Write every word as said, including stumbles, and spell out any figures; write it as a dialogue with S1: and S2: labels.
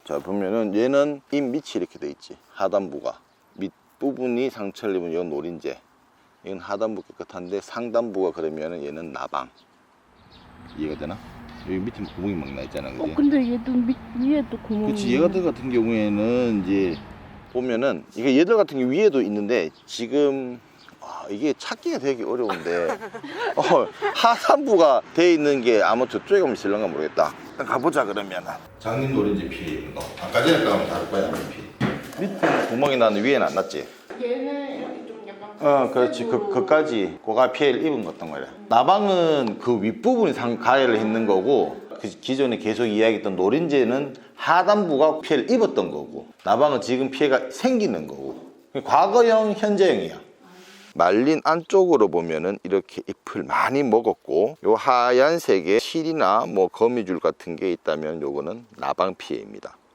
S1: 자 보면은 얘는 잎 밑이 이렇게 돼 있지. 하단부가 밑부분이 상처를 입은 이건 노린재, 이건 하단부 깨끗한데 상단부가 그러면은 얘는 나방. 이해가 되나? 여기 밑에 구멍이 막 나 있잖아, 그지?
S2: 어, 근데 얘도 밑 위에도 구멍이.
S1: 그렇지. 얘들 같은 경우에는 이제 보면은 이게 얘들 같은 게 위에도 있는데 지금 아, 이게 찾기가 되게 어려운데 어, 하산부가 돼 있는 게 아마 저쪽에 가면 있을런가 모르겠다. 일단 가보자. 그러면은 장님 노린재 피해 있는 거 아까 전에 가면 다를 거야. 피 밑에 구멍이 나는 위에는 안 났지.
S2: 얘는 이렇게 좀 약간.
S1: 어 그렇지. 그, 그까지 고가 피해를 입은 것던 거야. 나방은 그 윗부분이 상 가해를 있는 거고, 그 기존에 계속 이야기했던 노린재는 하단부가 피해를 입었던 거고, 나방은 지금 피해가 생기는 거고. 과거형, 현재형이야. 말린 안쪽으로 보면은 이렇게 잎을 많이 먹었고, 요 하얀색에 실이나 뭐 거미줄 같은 게 있다면 요거는 나방 피해입니다.